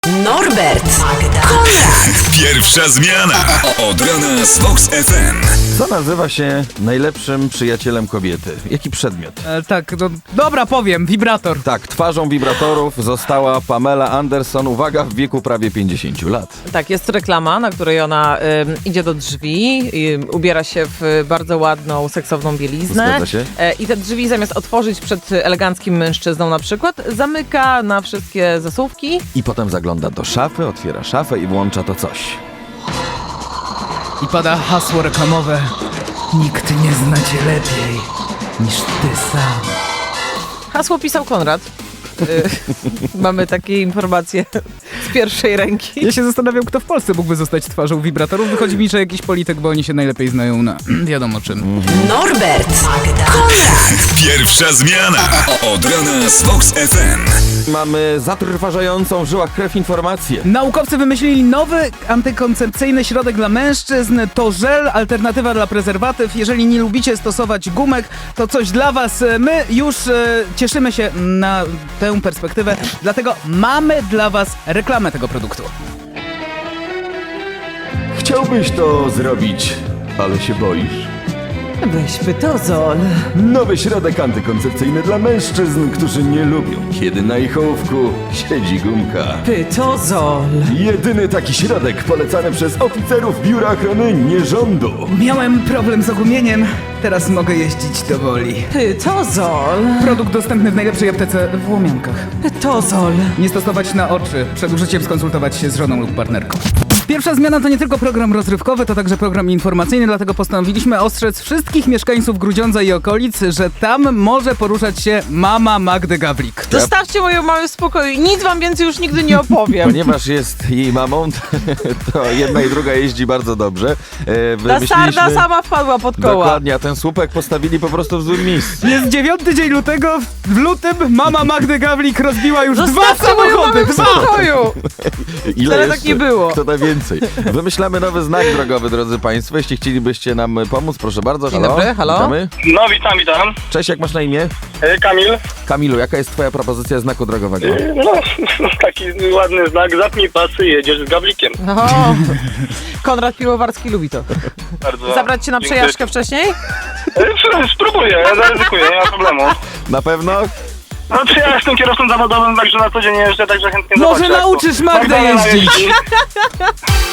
Norbert, Magda, Konrad. Pierwsza zmiana. Od rana z Vox FM. Co nazywa się najlepszym przyjacielem kobiety? Jaki przedmiot? Tak, no, dobra, powiem, wibrator. Tak, twarzą wibratorów została Pamela Anderson, uwaga, w wieku prawie 50 lat. Tak, jest reklama, na której ona idzie do drzwi, ubiera się w bardzo ładną, seksowną bieliznę. Zgadza się. I te drzwi zamiast otworzyć przed eleganckim mężczyzną na przykład, zamyka na wszystkie zasuwki. I potem zagląda do szafy, otwiera szafę i włącza to coś. I pada hasło reklamowe. Nikt nie zna cię lepiej niż ty sam. Hasło pisał Konrad. Mamy takie informacje z pierwszej ręki. Ja się zastanawiam, kto w Polsce mógłby zostać twarzą wibratorów. Wychodzi mi, że jakiś polityk, bo oni się najlepiej znają na wiadomo czym. Norbert, Magda, Konrad. Pierwsza zmiana. Od rana z Vox FM. Mamy zatrważającą w żyłach krew informację. Naukowcy wymyślili nowy antykoncepcyjny środek dla mężczyzn. To żel, alternatywa dla prezerwatyw. Jeżeli nie lubicie stosować gumek, to coś dla was. My już cieszymy się na tę perspektywę, dlatego mamy dla was reklamę tego produktu. Chciałbyś to zrobić, ale się boisz. Weź pytozol. Nowy środek antykoncepcyjny dla mężczyzn, którzy nie lubią, kiedy na ich ołówku siedzi gumka. Pytozol. Jedyny taki środek polecany przez oficerów Biura Ochrony Nierządu. Miałem problem z ogumieniem, teraz mogę jeździć do woli. Pytozol. Produkt dostępny w najlepszej aptece w Łomiankach. Pytozol. Nie stosować na oczy. Przed użyciem skonsultować się z żoną lub partnerką. Pierwsza zmiana to nie tylko program rozrywkowy, to także program informacyjny, dlatego postanowiliśmy ostrzec wszystkich mieszkańców Grudziądza i okolic, że tam może poruszać się mama Magdy Gawlik. Zostawcie moją mamę w spokoju. Nic wam więcej już nigdy nie opowiem. Ponieważ jest jej mamą, to jedna i druga jeździ bardzo dobrze. Ta sarda sama wpadła pod koła. Dokładnie, a ten słupek postawili po prostu w złym miejscu. Jest 9 dzień lutego, w lutym mama Magdy Gawlik rozbiła już Zostawcie moją mamę w spokoju. Ile Wcale jeszcze? tak nie było. Kto da więcej? Wymyślamy nowy znak drogowy, drodzy Państwo. Jeśli chcielibyście nam pomóc, proszę bardzo. Dzień Halo. dobry, halo. Witamy. No, witam. Cześć, jak masz na imię? Kamil. Kamilu, jaka jest twoja propozycja znaku drogowego? No, taki ładny znak. Zapnij pasy, jedziesz z gablikiem. O, Konrad Piłowarski lubi to. Bardzo. Zabrać cię na dziękuję. przejażdżkę wcześniej? Spróbuję, zaryzykuję, nie ma problemu. Na pewno? No, ja jestem kierowcą zawodowym, także na co dzień jeżdżę, także chętnie Może zobaczę, jak to nauczysz Magdę Magdalena jeździć. jeździ.